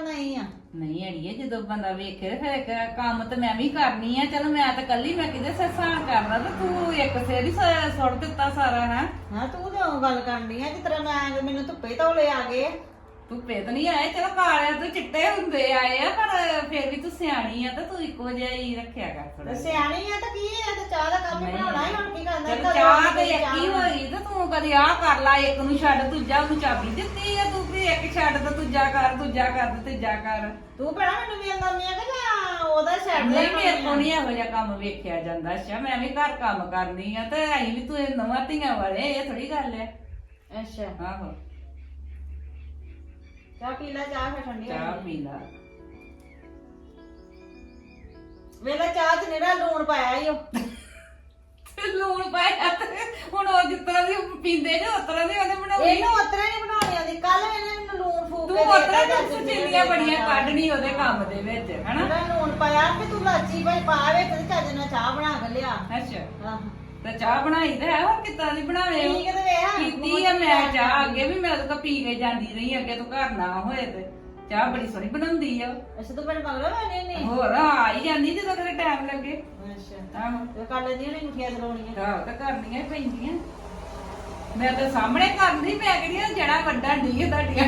ਨਹੀਂ ਆ? ਨਹੀਂ ਅੜੀਏ ਜਦੋਂ ਬੰਦਾ ਵੇਖੇ ਤੇ ਫਿਰ ਕੰਮ ਤੇ ਮੈਂ ਵੀ ਕਰਨੀ ਆ। ਚਲ ਮੈਂ ਤਾਂ ਕੱਲੀ ਮੈਂ ਕਿਤੇ ਸਸਾਂ ਕਰਨਾ ਤੇ ਤੂੰ ਇੱਕ ਸਿਰ ਹੀ ਸੁੱਟ ਦਿੱਤਾ ਸਾਰਾ ਹੈ। ਹਾਂ ਤੂੰ ਤਾਂ ਉਹ ਗੱਲ ਕਰਨੀ ਆ ਜਿਸ ਤਰ੍ਹਾਂ ਮੈਂ ਮੈਨੂੰ ਧੁੱਪੇ ਧੌਲੇ ਆ ਗਏ। ਧੁੱਪੇ ਤਾਂ ਨਹੀਂ ਆਏ, ਚਲੋ ਕਾਲੇ ਤੇ ਚਿੱਟੇ ਹੁੰਦੇ ਆਏ ਆ, ਪਰ ਫਿਰ ਵੀ ਤੂੰ ਸਿਆਣੀ ਆ ਤੇ ਤੂੰ ਇੱਕੋ ਜਿਹਾ ਹੀ ਰੱਖਿਆ ਕਰ ਥੋੜਾ। ਤੇ ਸਿਆਣੀ ਆ ਤਾਂ ਕੀ ਆ, ਤੇ ਚਾਹ ਦਾ ਕੰਮ ਹੀ ਬਣਾਉਣਾ ਹੀ ਹੁਣ ਕੀ ਕਰਨਾ। ਚੱਲ ਚਾਹ ਤੇ ਇੱਕ ਹੀ ਹੋਈ ਤੇ ਤੂੰ ਕਦੀ ਆਹ ਕਰ ਲਾ, ਇੱਕ ਨੂੰ ਛੱਡ ਦੂਜਾ ਨੂੰ ਚਾਬੀ ਦਿੱਤੀ ਆ ਤੂੰ ਵੀ ਇੱਕ ਛੱਡ ਤੇ ਦੂਜਾ ਕਰ, ਦੂਜਾ ਕਰ ਤੇ ਤੀਜਾ ਕਰ। ਤੂੰ ਭੈਣਾ ਮੈਨੂੰ ਵੀ ਆਉਂਦੀ ਆ ਕਿ ਜਾਂ ਉਹਦਾ ਛੱਡ ਨਹੀਂ ਮੇਰੇ ਕੋਲ ਨਹੀਂ ਇਹੋ ਜਿਹਾ ਕੰਮ ਵੇਖਿਆ ਜਾਂਦਾ। ਅੱਛਾ ਮੈਂ ਵੀ ਘਰ ਕੰਮ ਕਰਨੀ ਆ ਤੇ ਅਸੀਂ ਵੀ ਤੂੰ ਨਵਾਂ ਧੀਆਂ ਵਾਲੇ, ਇਹ ਥੋੜੀ ਗੱਲ ਹੈ। ਅੱਛਾ ਆਹੋ ਚਾਹ ਪੀ ਲੈ, ਚਾਹ ਫਿਰ ਠੰਡੀ ਹੋ ਚਾਹ ਜਾਣੀ। ਪੀ ਲਾ। ਵੇਲੇ ਚਾਹ ਚ ਨਿਹਰਾ ਲੂਣ ਪਾਇਆ ਈ ਉਹ। ਲੂਣ ਪਾਇਆ ਤੇ ਹੁਣ ਉਹ ਜਿਸ ਤਰ੍ਹਾਂ ਦੀ ਪੀਂਦੇ ਨੇ ਉਸ ਤਰ੍ਹਾਂ ਦੀ ਉਹਨੇ ਬਣਾਉਣੀ। ਇਹਨੂੰ ਉਤਰਾ ਨਹੀਂ ਬਣਾਉਣੀ ਆਉਂਦੀ। ਕੱਲ ਇਹਨੇ ਮੈਨੂੰ ਲੂਣ ਫੂਕ ਤੂੰ ਕੇ ਉਸ ਤਰ੍ਹਾਂ ਦੇਤਾ ਦੀ ਸੁਚੇਲੀਆਂ ਬੜੀਆਂ ਕੱਢਣੀ ਉਹਦੇ ਕੰਮ ਦੇ ਵਿੱਚ ਹਨਾ। ਉਹਦਾ ਲੂਣ ਪਾਇਆ ਕਿ ਤੂੰ ਲਾਚੀ ਭਾਈ ਪਾ ਵਿੱਚ ਤੇ ਚੱਜ ਨਾਲ ਚਾਹ ਬਣਾ ਕੇ ਲਿਆ। ਅੱਛਾ ਆਹੋ ਤੇ ਚਾਹ ਬਣਾਈ ਤੇ ਹੈ, ਹੋਰ ਕਿੱਦਾਂ ਦੀ ਬਣਾਵੇ ਉਹ? ਠੀਕ ਤੇ ਵੇਖ ਪੀਤੀ ਆ ਮੈਂ ਚਾਹ, ਅੱਗੇ ਵੀ ਮੈਂ ਤਾਂ ਪੀ ਕੇ ਜਾਂਦੀ ਰਹੀ, ਅੱਗੇ ਤੂੰ ਘਰ ਨਾ ਹੋਏ ਤੇ ਚਾਹ ਬੜੀ ਸੋਹਣੀ ਬਣਾਉਂਦੀ ਆ। ਅੱਛਾ ਤੂੰ ਮੈਨੂੰ ਮਗਰੋਂ ਲੈਣੇ ਨੇ। ਹੋਰ ਆ ਹੀ ਜਾਂਦੀ ਜਦੋਂ ਕਦੇ ਟਾਈਮ ਲੱਗੇ। ਅੱਛਾ ਆਹੋ ਤੇ ਕਰ ਲੈਂਦੀ ਨਹੀਂ ਮੁਠੀਆਂ ਚਲਾਉਣੀਆਂ। ਆਹ ਤਾਂ ਕਰਨੀਆਂ ਹੀ ਪੈਂਦੀਆਂ। ਮੈਂ ਤਾਂ ਸਾਹਮਣੇ ਕਰਦੀ, ਮੈਂ ਕਿਹੜੀਆਂ ਜੜਾ ਵੱਡਾ ਢੀ ਤੁਹਾਡੀਆਂ।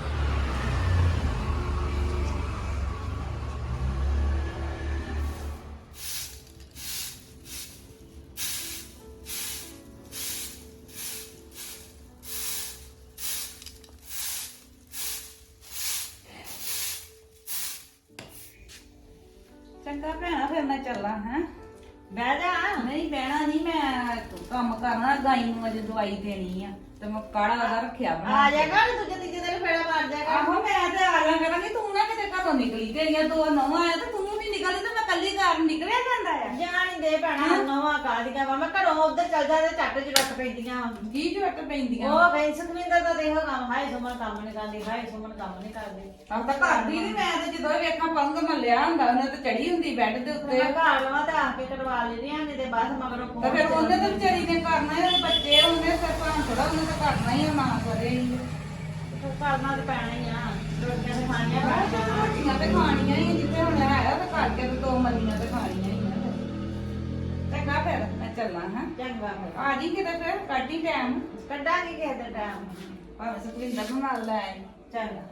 ਚੰਗਾ ਭੈਣਾ ਫਿਰ ਮੈਂ ਚੱਲਾਂ ਹੈ। ਬਹਿ ਜਾ। ਨਹੀਂ ਬਹਿਣਾ ਨਹੀਂ, ਮੈਂ ਕੰਮ ਕਰਨਾ, ਗਾਈ ਨੂੰ ਅਜੇ ਦਵਾਈ ਦੇਣੀ ਆ ਤੇ ਮੈਂ ਕਾੜਾ ਉਹਦਾ ਰੱਖਿਆ ਬਣਾ ਆ ਕੇ। ਜਾ ਕਰ ਦੂਜੇ ਤੀਜੇ ਦਿਨ ਫੇੜਾ ਮਾਰ ਜਾ ਕਰ। ਆਹੋ ਮੈਂ ਤੇ ਆ ਜਾ ਕਰਾਂਗੀ, ਤੂੰ ਨਾ ਕਿਤੇ ਘਰੋਂ ਨਿਕਲੀ, ਤੇਰੀਆਂ ਦੋ ਨੌਂ ਆਇਆ ਤੇ ਤੂੰ ਨਹੀਂ ਨਿਕਲਦੀ ਤੇ ਮੈਂ ਕੱਲੀ ਘਰ ਨਿਕਲਿਆ ਜਾਂਦਾ ਆ। ਜਾਣ ਹੀ ਦੇ ਭੈਣਾ ਨਵਾਂ ਕਾਦੀਆਂ ਵਾ। ਮੈਂ ਘਰੋਂ ਉੱਧਰ ਚੱਲ ਜਾ ਤੇ ਝੱਟ ਚ ਰੱਖ ਪੈਂਦੀਆਂ ਵਾ। ਕੀ ਝੁੱਟ ਪੈਂਦੀਆਂ ਉਹ ਗਈ ਸੁਖਵਿੰਦਰ ਦਾ ਦੇਖੋ ਕੰਮ। ਹਾਏ ਸੁਮਨ ਕੰਮ ਨਹੀਂ ਕਰਦੀ, ਹਾਏ ਸੁਮਨ ਕੰਮ ਨਹੀਂ ਕਰਦੀ। ਆਹ ਤਾਂ ਘਰ ਦੀ ਨਹੀਂ, ਮੈਂ ਤੇ ਜਦੋਂ ਵੇਖਾਂ ਪੰਗ ਮੱਲਿਆ ਹੁੰਦਾ ਉਹਨੇ ਤੇ ਚੜੀ ਹੁੰਦੀ ਬੈੱਡ ਦੇ ਉੱਤੇ। ਮੈਂ ਘਰ ਲਵਾਂ ਤੇ ਆ ਕੇ ਕਟਵਾ ਲੈਂਦੀਆਂ ਨਹੀਂ ਤੇ ਬਸ ਮਗਰੋਂ ਤੇ ਫਿਰ ਉਹਨੇ ਤਾਂ ਵਿਚਾਰੀ ਨੇ ਕਰਨਾ ਹੈ, ਬੱਚੇ ਉਹਨੇ ਸਰਪੰਚ ਥੋੜਾ ਉਹਨੇ ਤਾਂ ਕਰਨਾ ਹੀ ਆ, ਨਾ ਕਰੇ ਹੀ। ਕਰਨਾ ਤੇ ਪੈਣਾ ਹੀ ਆ। ਰੋਟੀਆਂ ਤੇ ਖਾਣੀਆਂ ਪੈਣੀਆਂ। ਰੋਟੀਆਂ ਤੇ ਖਾਣੀਆਂ ਹੀ, ਜਿੱਥੇ ਹੁਣ ਹੈ ਤੇ ਕਰਕੇ ਤੇ ਦੋ ਮੱਲੀਆਂ ਤੇ ਖਾਣੀਆਂ ਹੀ ਆ। ਚੰਗਾ ਫਿਰ ਮੈਂ ਚੱਲਾਂ ਹਾਂ। ਚੰਗਾ ਫਿਰ ਆ ਜੀ ਕਿਤੇ ਫਿਰ ਕੱਢੀ ਟਾਈਮ, ਕੱਢਾਂਗੇ ਕਿਸੇ ਦਿਨ ਟਾਈਮ। ਭਾਵੇਂ ਸੁਖਵਿੰਦਰ ਨੂੰ ਨਾਲ ਲੈ ਆਈ। ਚੰਗਾ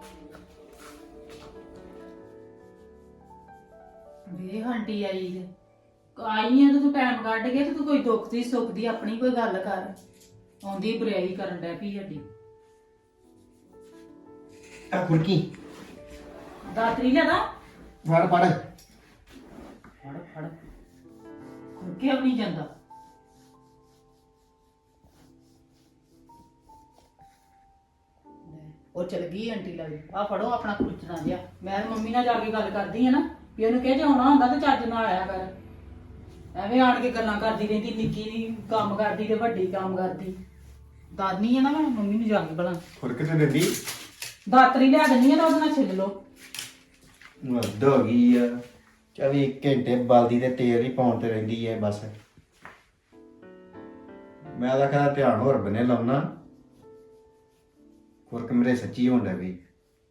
ਵੇ ਆਂਟੀ ਆਈ ਹੈ, ਆਈ ਹੈ ਤੇ ਤੂੰ ਟਾਈਮ ਕੱਢ ਕੇ ਤੇ ਤੂੰ ਕੋਈ ਦੁੱਖ ਦੀ ਸੁੱਖ ਦੀ ਆਪਣੀ ਕੋਈ ਗੱਲ ਕਰ। ਆਉਂਦੀ ਬੁਰਾਈ ਕਰਨ ਡੈ ਪਈ ਸਾਡੀ। ਆ ਕੁਰਕੀ ਦਾਤਰੀ ਲਿਆਦਾ ਫੜ ਫੜ। ਫੜ ਫੜ ਕੁਰਕੇ ਵੀ ਨਹੀਂ ਜਾਂਦਾ। ਉਹ ਚਲ ਗਈ ਆਂਟੀ ਲੱਗ। ਆ ਫੜੋ ਆਪਣਾ ਕੁਰਚਣਾ ਜਿਹਾ। ਮੈਂ ਤੇ ਮੰਮੀ ਨਾਲ ਜਾ ਕੇ ਗੱਲ ਕਰਦੀ ਆ ਨਾ ਵੀ ਉਹਨੂੰ ਕਹਿ ਜੇ ਆਉਣਾ ਹੁੰਦਾ ਤੇ ਚੱਜ ਨਾਲ ਆਇਆ ਕਰ। ਐਵੇਂ ਆਣ ਕੇ ਗੱਲਾਂ ਕਰਦੀ ਰਹਿੰਦੀ, ਨਿੱਕੀ ਦੀ ਕੰਮ ਕਰਦੀ ਤੇ ਵੱਡੀ ਕੰਮ ਕਰਦੀ। ਦਾਦੀ ਆ ਨਾ, ਮੈਂ ਮੰਮੀ ਨੂੰ ਜਾ ਕੇ ਬਲਾਂ ਫੁਰਕ ਤੇ ਦਿੰਦੀ ਦਾਤਰੀ ਲਿਆ ਦਿੰਦੀ ਆ ਤਾਂ ਉਹਦੇ ਨਾਲ ਛਿੱਲ ਲੋ। ਮੱਦ ਹੋ ਗਈ ਆ। 24 ਘੰਟੇ ਬਲਦੀ ਤੇ ਤੇਲ ਹੀ ਪਾਉਣ ਤੇ ਰਹਿੰਦੀ ਹੈ ਬਸ। ਮੈਂ ਤਾਂ ਕਹਿੰਦਾ ਧਿਆਨ ਹੋਰ ਬਨੇ ਲਾਉਣਾ। ਫੁਰਕ ਮੇਰੇ ਸੱਚੀ ਹੋਣ ਲੱਗ ਗਈ।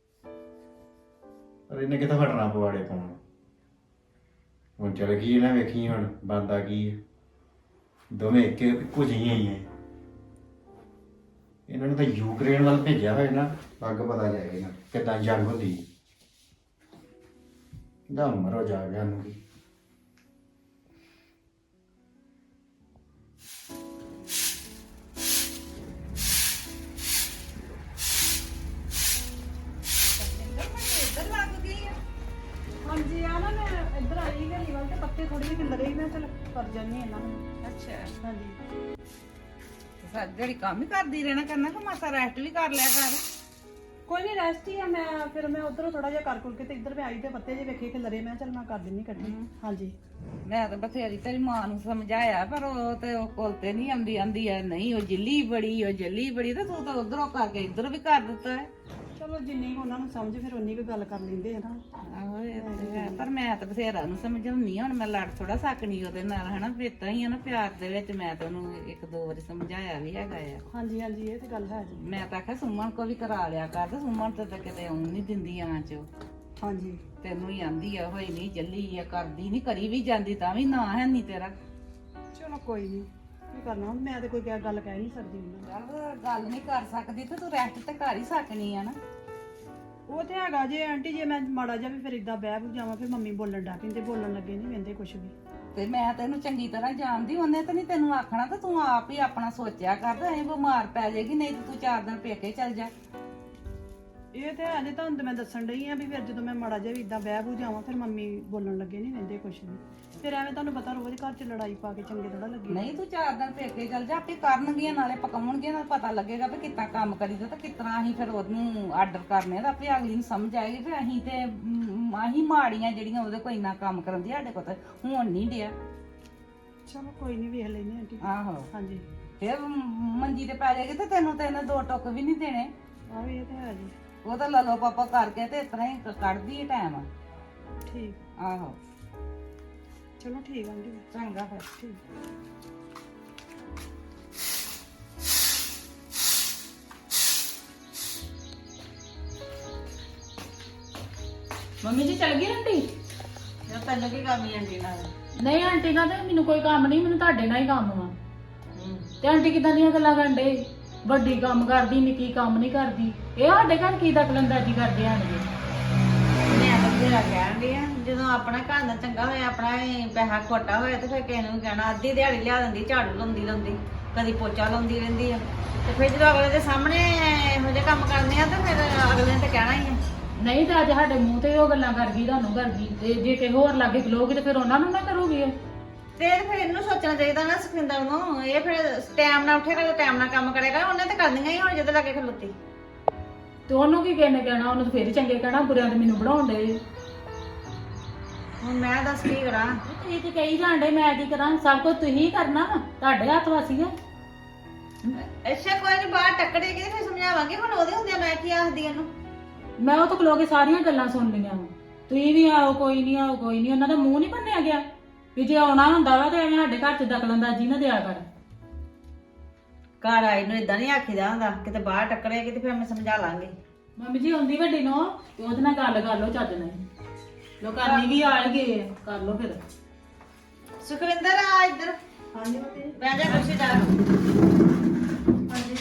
ਪਰ ਇਹਨੇ ਕਿੱਥੋਂ ਹਟਣਾ ਪਵਾੜੇ ਪਾਉਣ। ਹੁਣ ਚਲ ਗਈ ਨਾ, ਵੇਖੀ ਹੁਣ ਬੰਦਾ ਕੀ ਹੈ। ਦੋਵੇਂ ਇੱਕੋ ਜਿਹੀਆਂ ਹੀ ਹੈ। ਇਹਨਾਂ ਨੂੰ ਤਾਂ ਯੂਕਰੇਨ ਵੱਲ ਭੇਜਿਆ ਹੋਇਆ ਨਾ, ਅੱਗ ਪਤਾ ਜਾਏਗਾ ਕਿੱਦਾਂ ਜੰਗ ਹੁੰਦੀ। ਦਾ ਮਰੋ ਜਾ ਗਿਆ ਨੂੰ। ਇੱਧਰ ਲੱਗ ਗਈ ਆ। ਹਾਂਜੀ ਆ ਨਾ ਮੈਂ ਇੱਧਰ ਆਈ ਘਰੀ ਵੱਲ ਤੇ ਪੱਤੇ ਥੋੜੇ ਜਿਹੇ ਖਿਲਰੇ ਸੀ, ਮੈਂ ਚਲ ਕਰ ਜਾਂਦੀ ਇਹਨਾਂ ਨੂੰ। ਅੱਛਾ ਹਾਂਜੀ ਤੇ ਸਾਰੀ ਦਿਹਾੜੀ ਕੰਮ ਹੀ ਕਰਦੀ ਰਹਿਣਾ ਕਰਨਾ ਕਿ ਮਾਸਾ ਰੈਸਟ ਵੀ ਕਰ ਲਿਆ ਕਰ। ਕੋਈ ਨਹੀਂ ਰੈਸਟ ਹੀ ਆ। ਮੈਂ ਫਿਰ ਮੈਂ ਉਧਰੋਂ ਥੋੜਾ ਜਿਹਾ ਕਰ ਕੁਰ ਕੇ ਤੇ ਇੱਧਰ ਮੈਂ ਆਈ ਤੇ ਪੱਤੇ ਜਿਹੇ ਵੇਖੇ ਖਿਲਰੇ, ਮੈਂ ਚਲ ਮੈਂ ਕਰ ਦਿੰਨੀ ਇਕੱਠੇ। ਹਾਂਜੀ ਮੈਂ ਤਾਂ ਬਥੇਰੀ ਤੇਰੀ ਮਾਂ ਨੂੰ ਸਮਝਾਇਆ ਪਰ ਉਹ ਤੇ ਉਹ ਕੋਲ ਤੇ ਨਹੀਂ ਆਉਂਦੀ। ਆਂਦੀ ਆ ਨਹੀਂ ਉਹ ਜਿੱਲੀ ਬੜੀ, ਉਹ ਜੱਲੀ ਬੜੀ, ਤੇ ਤੂੰ ਤਾਂ ਉਧਰੋਂ ਕਰਕੇ ਇੱਧਰ ਵੀ ਕਰ ਦਿੱਤਾ ਹੈ। ਚਲੋ ਜਿੰਨੀ ਕੁ ਉਹਨਾਂ ਨੂੰ ਸਮਝ ਫਿਰ ਉਨੀ ਕੁ ਗੱਲ ਕਰ ਲੈਂਦੇ ਆ ਨਾ। ਆਹੋ ਇਹ ਤੇ ਹੈ, ਪਰ ਮੈਂ ਤਾਂ ਬਥੇਰਾ ਨੂੰ ਸਮਝਾਉਣੀ ਹੁਣ ਮੈਂ ਲੜ ਥੋੜਾ ਸਕਣੀ ਉਹਦੇ ਨਾਲ ਹਨਾ, ਫਿਰ ਤਾਂ ਹੀ ਆ ਨਾ ਪਿਆਰ ਦੇ ਵਿੱਚ ਮੈਂ ਤਾਂ ਉਹਨੂੰ ਇੱਕ ਦੋ ਵਾਰੀ ਸਮਝਾਇਆ ਵੀ ਹੈਗਾ ਆ। ਹਾਂਜੀ ਹਾਂਜੀ ਇਹ ਤੇ ਗੱਲ ਹੈ ਜੀ। ਮੈਂ ਤਾਂ ਆਖਿਆ ਸੁਮਨ ਕੋ ਵੀ ਕਰਾ ਲਿਆ ਕਰ, ਤੇ ਸੁਮਨ ਤੇ ਤਾਂ ਕਿਤੇ ਆਉਣ ਨਹੀਂ ਦਿੰਦੀ ਆਂ ਚ, ਹਾਂਜੀ ਤੈਨੂੰ ਹੀ ਆਂਦੀ ਆ ਹੋਈ ਨਹੀਂ ਚੱਲੀ ਆ, ਕਰਦੀ ਨਹੀਂ, ਕਰੀ ਵੀ ਜਾਂਦੀ ਤਾਂ ਵੀ ਨਾ ਹੈ ਨਹੀਂ ਤੇਰਾ। ਚਲੋ ਕੋਈ ਨਹੀਂ, ਕੀ ਕਰਨਾ ਹੁਣ, ਮੈਂ ਤੇ ਕੋਈ ਗੱਲ ਕਹਿ ਨਹੀਂ ਸਕਦੀ ਉਹਨਾਂ ਨੂੰ। ਚੱਲ ਗੱਲ ਨਹੀਂ ਕਰ ਸਕਦੀ ਤੇ ਤੂੰ ਰੈਸਟ ਤੇ ਕਰ ਹੀ ਸਕਣੀ ਆ ਨਾ। ਉਹ ਤੇ ਹੈਗਾ ਜੇ ਆਂਟੀ, ਜੇ ਮੈਂ ਮਾੜਾ ਜਿਹਾ ਵੀ ਫਿਰ ਇਦਾਂ ਬਹਿ ਬੂ ਜਾਵਾਂ ਫਿਰ ਮੰਮੀ ਬੋਲਣ ਡੈ ਪੈਂਦੇ, ਬੋਲਣ ਲੱਗੇ ਨਹੀਂ ਵੰਦੇ ਕੁਛ ਵੀ। ਤੇ ਮੈਂ ਤੈਨੂੰ ਚੰਗੀ ਤਰ੍ਹਾਂ ਜਾਣਦੀ, ਉਹਨੇ ਤਾਂ ਨਹੀਂ ਤੈਨੂੰ ਆਖਣਾ, ਤੇ ਤੂੰ ਆਪ ਹੀ ਆਪਣਾ ਸੋਚਿਆ ਕਰ, ਤੇ ਐਂ ਬਿਮਾਰ ਪੈ ਜਾਏਗੀ, ਨਹੀਂ ਤੇ ਤੂੰ 4 ਦਿਨ ਪੇਕੇ ਚੱਲ ਜਾ। ਇਹ ਤੇ ਅਜੇ ਤੁਹਾਨੂੰ ਤੇ ਮੈਂ ਦੱਸਣ ਡਈ ਆ ਵੀ ਫਿਰ ਜਦੋਂ ਮੈਂ ਮਾੜਾ ਜਿਹਾ ਵੀ ਇਦਾਂ ਬਹਿ ਬੂ ਜਾਵਾਂ ਫਿਰ ਮੰਮੀ ਬੋਲਣ ਲੱਗੇ ਨਹੀਂ ਵੰਦੇ ਕੁਛ ਵੀ। ਫਿਰ ਐਵੇਂ ਤੁਹਾਨੂੰ ਪਤਾ ਰੋਜ਼ ਘਰ 'ਚ ਲੜਾਈ ਪਾ ਕੇ ਚੰਗੇ ਥੋੜਾ ਲੱਗੇ। ਨਹੀਂ ਤੂੰ 4 ਦਿਨ ਪੇਕੇ ਚੱਲ ਜਾ, ਆਪੇ ਕਰਨਗੀਆਂ, ਨਾਲੇ ਪਕਾਉਣਗੀਆਂ, ਨਾਲ ਪਤਾ ਲੱਗੇਗਾ ਵੀ ਕਿੱਦਾਂ ਕੰਮ ਕਰੀਦਾ ਤੇ ਕਿਤਨਾ ਅਸੀਂ ਫਿਰ ਉਹਨੂੰ ਆਰਡਰ ਕਰਨੇ ਦਾ, ਆਪੇ ਅਗਲੀ ਨੂੰ ਸਮਝ ਆਏਗੀ ਵੀ ਅਸੀਂ ਤੇ ਅਸੀਂ ਮਾੜੀਆਂ ਜਿਹੜੀਆਂ ਉਹਦੇ ਕੋਈ ਨਾ ਕੰਮ ਕਰਾਉਂਦੀ, ਸਾਡੇ ਕੋਲ ਤਾਂ ਹੁਣ ਨਹੀਂ ਡਿਆ। ਚਲੋ ਕੋਈ ਨਹੀਂ ਵੇਖ ਲੈਨੇ ਆਂਟੀ। ਆਹੋ ਹਾਂਜੀ ਫਿਰ ਮੰਜੀ ਤੇ ਪੈ ਜਾਏਗੀ ਤੇ ਤੈਨੂੰ ਦੋ ਟੁੱਕ ਵੀ ਨਹੀਂ ਦੇਣੇ। ਆਹ ਇਹ ਤੇ ਹੈ ਜੀ। ਉਹ ਤਾਂ ਲੱਲੋ ਪਾਪਾ ਕਰਕੇ ਤੇ ਇਸ ਤਰ੍ਹਾਂ ਹੀ ਕੱਢਦੀ ਹੈ ਟਾਈਮ। ਠੀਕ, ਆਹੋ ਚਲੋ ਠੀਕ ਆਂਟੀ। ਚੰਗਾ ਫਿਰ। ਠੀਕ। ਮੰਮੀ ਜੀ ਚੱਲ ਗਈ ਆਂਟੀ? ਜੇ ਤੈਨੂੰ ਕੀ ਕੰਮ ਹੀ ਆਂਟੀ ਨਾਲ? ਨਹੀਂ ਆਂਟੀ ਨਾਲ ਤੇ ਮੈਨੂੰ ਕੋਈ ਕੰਮ ਨਹੀਂ, ਮੈਨੂੰ ਤੁਹਾਡੇ ਨਾਲ ਹੀ ਕੰਮ ਵਾ। ਤੇ ਆਂਟੀ ਕਿਦਾਂ ਦੀਆਂ ਗੱਲਾਂ ਕਰਦੇ, ਵੱਡੀ ਕੰਮ ਕਰਦੀ ਨਿੱਕੀ ਕੰਮ ਨਹੀਂ ਕਰਦੀ, ਇਹ ਸਾਡੇ ਘਰ ਕੀ ਦਖਲਅੰਦਾਜ਼ੀ ਕਰਦੇ ਆਣਗੇ? ਮੈਂ ਤਾਂ ਤੇਰਾ ਕਹਿਣ ਡਈ ਆ, ਜਦੋਂ ਆਪਣਾ ਘਰ ਦਾ ਚੰਗਾ ਹੋਇਆ, ਆਪਣਾ ਇਹ ਪੈਸਾ ਖੋਟਾ ਹੋਇਆ ਤੇ ਫਿਰ ਕਿਸੇ ਨੂੰ ਕਹਿਣਾ, ਅੱਧੀ ਦਿਹਾੜੀ ਲਿਆ ਦਿੰਦੀ, ਝਾੜੂ ਲਾਉਂਦੀ ਕਦੀ ਪੋਚਾ ਲਾਉਂਦੀ ਰਹਿੰਦੀ ਆ, ਤੇ ਫਿਰ ਜਦੋਂ ਅਗਲੇ ਦੇ ਸਾਹਮਣੇ ਇਹੋ ਜਿਹੇ ਕੰਮ ਕਰਨੇ ਆ ਤੇ ਫਿਰ ਅਗਲੇ ਨੇ ਤਾਂ ਕਹਿਣਾ ਹੀ ਆ। ਨਹੀਂ ਤੇ ਅੱਜ ਸਾਡੇ ਮੂੰਹ ਤੇ ਉਹ ਗੱਲਾਂ ਕਰ ਗਈ, ਤੁਹਾਨੂੰ ਕਰ ਗਈ, ਤੇ ਜੇ ਕਿਸੇ ਹੋਰ ਲਾਗੇ ਖਲੋਗੇ ਤੇ ਫਿਰ ਉਹਨਾਂ ਨੂੰ ਨਾ ਕਰੋਗੇ। ਤੇ ਫਿਰ ਇਹਨੂੰ ਸੋਚਣਾ ਚਾਹੀਦਾ ਨਾ ਸੁਖਿੰਦਰ ਨੂੰ, ਇਹ ਫਿਰ ਟਾਈਮ ਨਾਲ ਉੱਠੇਗਾ, ਟਾਈਮ ਨਾਲ ਕੰਮ ਕਰੇਗਾ, ਉਹਨੇ ਤਾਂ ਕਰਨੀਆਂ ਹੀ ਹੁਣ ਜਿਹਦੇ ਲਾਗੇ ਖਲੋਤੀ। ਤੇ ਉਹਨੂੰ ਕੀ ਕਹਿਣਾ ਕਹਿਣਾ, ਉਹਨੂੰ ਤਾਂ ਫਿਰ ਚੰਗੇ ਕਹਿਣਾ, ਬੁਰਿਆਂ ਤੇ ਮੈਨੂੰ ਬਣਾਉਣ ਦੇ। ਹੁਣ ਮੈਂ ਦੱਸ ਕੀ ਕਰਾਂ? ਤੁਸੀਂ ਤੇ ਕਹੀ ਜਾਂਦੇ, ਮੈਂ ਕੀ ਕਰਾਂ? ਸਭ ਕੁਝ ਤੁਸੀਂ ਕਰਨਾ ਵਾ, ਤੁਹਾਡੇ ਹੱਥ ਵਾਸੀ ਆ। ਅੱਛਾ ਕੋਈ ਨਹੀਂ, ਬਾਹਰ ਟੱਕਰੇਗੀ ਤੇ ਫਿਰ ਸਮਝਾਵਾਂਗੇ, ਹੁਣ ਉਹਦੇ ਹੁੰਦਿਆਂ ਮੈਂ ਕੀ ਆਖਦੀ ਇਹਨੂੰ? ਮੈਂ ਉਹ ਤੋਂ ਖਲੋ ਕੇ ਸਾਰੀਆਂ ਗੱਲਾਂ ਸੁਣ ਲਈਆਂ ਵਾ। ਤੁਸੀਂ ਵੀ ਆਓ ਕੋਈ ਨਹੀਂ, ਆਓ ਕੋਈ ਨਹੀਂ, ਉਹਨਾਂ ਦਾ ਮੂੰਹ ਨਹੀਂ ਬੰਨਿਆ ਗਿਆ ਵੀ ਜੇ ਆਉਣਾ ਹੁੰਦਾ ਵਾ ਤੇ ਐਵੇਂ ਸਾਡੇ ਘਰ 'ਚ ਦਖਲਅੰਦਾਜ਼ੀ ਨਾ ਦਿਆ ਕਰ। ਘਰ ਆਈ ਨੂੰ ਇਦਾਂ ਨਹੀਂ ਆਖੀਦਾ ਹੁੰਦਾ, ਕਿਤੇ ਬਾਹਰ ਟੱਕਰੇਗੀ ਤੇ ਫਿਰ ਮੈਂ ਸਮਝਾ ਲਾਂਗੀ। ਮੰਮੀ ਜੀ ਆਉਂਦੀ ਵੱਡੀ ਨੂੰ ਤੇ ਉਹਦੇ ਨਾਲ ਗੱਲ ਕਰ ਲਓ ਚੱਜ ਨਾਲ, ਲੋਕਾਂ ਵੀ ਆ ਹੀ ਗਏ ਆ, ਕਰ ਲਓ ਫਿਰ। ਸੁਖਵਿੰਦਰ ਆ ਇੱਧਰ। ਹਾਂਜੀ ਮੰਮੀ। ਬਹਿ ਜਾ ਕੁਰਸੀ ਡਾਲ। ਹਾਂਜੀ।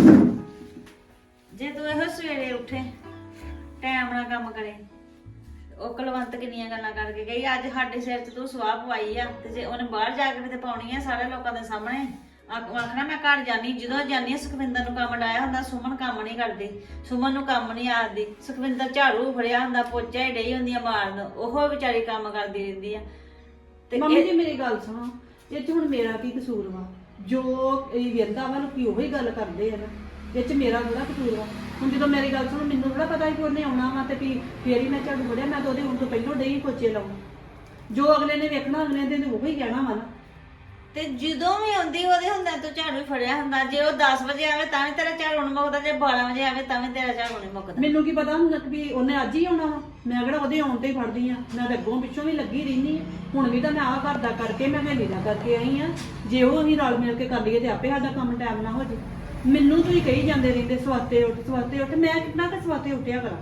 ਜੇ ਤੂੰ ਇਹੋ ਸਵੇਰੇ ਉੱਠੇ, ਟਾਈਮ ਨਾਲ ਕੰਮ ਕਰੇ, ਉਹ ਕੁਲਵੰਤ ਕਿੰਨੀਆਂ ਗੱਲਾਂ ਕਰਕੇ ਗਈ, ਅੱਜ ਸਾਡੇ ਸਿਰ 'ਚ ਤੂੰ ਸਵਾਹ ਪਵਾਈ ਆ, ਤੇ ਜੇ ਉਹਨੇ ਬਾਹਰ ਜਾ ਕੇ ਤੇ ਪਾਉਣੀ ਆ ਸਾਰੇ ਲੋਕਾਂ ਦੇ ਸਾਹਮਣੇ, ਆਖਣਾ ਮੈਂ ਘਰ ਜਾਨੀ, ਜਦੋਂ ਜਾਨੀ ਸੁਖਵਿੰਦਰ ਨੂੰ ਕੰਮ ਡਾਇਆ ਹੁੰਦਾ, ਸੁਮਨ ਕੰਮ ਨਹੀਂ ਕਰਦੀ, ਸੁਮਨ ਨੂੰ ਕੰਮ ਨਹੀਂ ਆਉਂਦੀ, ਸੁਖਵਿੰਦਰ ਝਾੜੂ ਫੜਿਆ ਹੁੰਦਾ, ਪੋਚਾ ਹੀ ਡਈ ਹੁੰਦੀ ਆ ਮਾਰਨ, ਉਹ ਵਿਚਾਰੀ ਕੰਮ ਕਰਦੀ ਰਹਿੰਦੀ ਆ। ਤੇ ਮੰਮੀ ਜੀ ਮੇਰੀ ਗੱਲ ਸੁਣੋ, ਇਹ 'ਚ ਹੁਣ ਮੇਰਾ ਕੀ ਕਸੂਰ ਵਾ? ਜੋ ਇਹ ਵੇਂਦਾ ਵਾ ਲੋਕੀ ਉਹੀ ਗੱਲ ਕਰਦੇ ਆ ਨਾ, ਇਹ 'ਚ ਮੇਰਾ ਥੋੜਾ ਕਸੂਰ ਵਾ। ਹੁਣ ਜਦੋਂ ਮੇਰੀ ਗੱਲ ਸੁਣੋ, ਮੈਨੂੰ ਥੋੜਾ ਪਤਾ ਕਿ ਉਹਨੇ ਆਉਣਾ ਵਾ ਤੇ ਵੀ ਫੇਰ ਹੀ ਮੈਂ ਝਾੜੂ ਫੜਿਆ, ਮੈਂ ਤਾਂ ਉਹਦੇ ਹੁਣ ਤੋਂ ਪਹਿਲਾਂ ਡਈ ਪੋਚੇ ਲਾਉਣ, ਜੋ ਅਗਲੇ ਨੇ ਵੇਖਣਾ ਅਗਲੇ ਦੇ ਉਹੀ ਕਹਿਣਾ ਵਾ ਨਾ। ਤੇ ਜਦੋਂ ਵੀ ਆਉਂਦੀ ਉਹਦੇ ਹੁੰਦਾ ਤੂੰ ਝਾੜੂ ਫੜਿਆ ਹੁੰਦਾ, ਜੇ ਉਹ 10 ਵਜੇ ਆਵੇ ਤਾਂ ਵੀ ਤੇਰਾ ਝਾੜੂ ਨਹੀਂ ਮੁੱਕਦਾ, ਜੇ 12 ਵਜੇ ਆਵੇ ਤਾਂ ਵੀ ਤੇਰਾ ਝਾੜੂ ਨਹੀਂ ਮੁੱਕਦਾ। ਮੈਨੂੰ ਕੀ ਪਤਾ ਹੁੰਦਾ ਵੀ ਉਹਨੇ ਅੱਜ ਹੀ ਆਉਣਾ ਵਾ, ਮੈਂ ਕਿਹੜਾ ਉਹਦੇ ਆਉਣ ਤੇ ਹੀ ਫੜਦੀ ਆ, ਮੈਂ ਤਾਂ ਅੱਗੋਂ ਪਿੱਛੋਂ ਵੀ ਲੱਗੀ ਰਹਿੰਦੀ ਆ। ਹੁਣ ਵੀ ਤਾਂ ਮੈਂ ਆਹ ਘਰ ਦਾ ਕਰਕੇ ਮੈਂ ਹਵੇਲੀ ਦਾ ਕਰਕੇ ਆਈ ਆ, ਜੇ ਉਹ ਅਸੀਂ ਰਲ ਮਿਲ ਕੇ ਕਰ ਲਈਏ ਤੇ ਆਪੇ ਸਾਡਾ ਕੰਮ ਟਾਈਮ ਨਾਲ ਹੋ ਜੇ। ਮੈਨੂੰ ਤੁਸੀਂ ਕਹੀ ਜਾਂਦੇ ਰਹਿੰਦੇ ਸਵਾਤੇ ਉੱਠ, ਮੈਂ ਕਿੰਨਾ ਕੁ ਸਵਾਤੇ ਉੱਠਿਆ ਕਰਾਂ?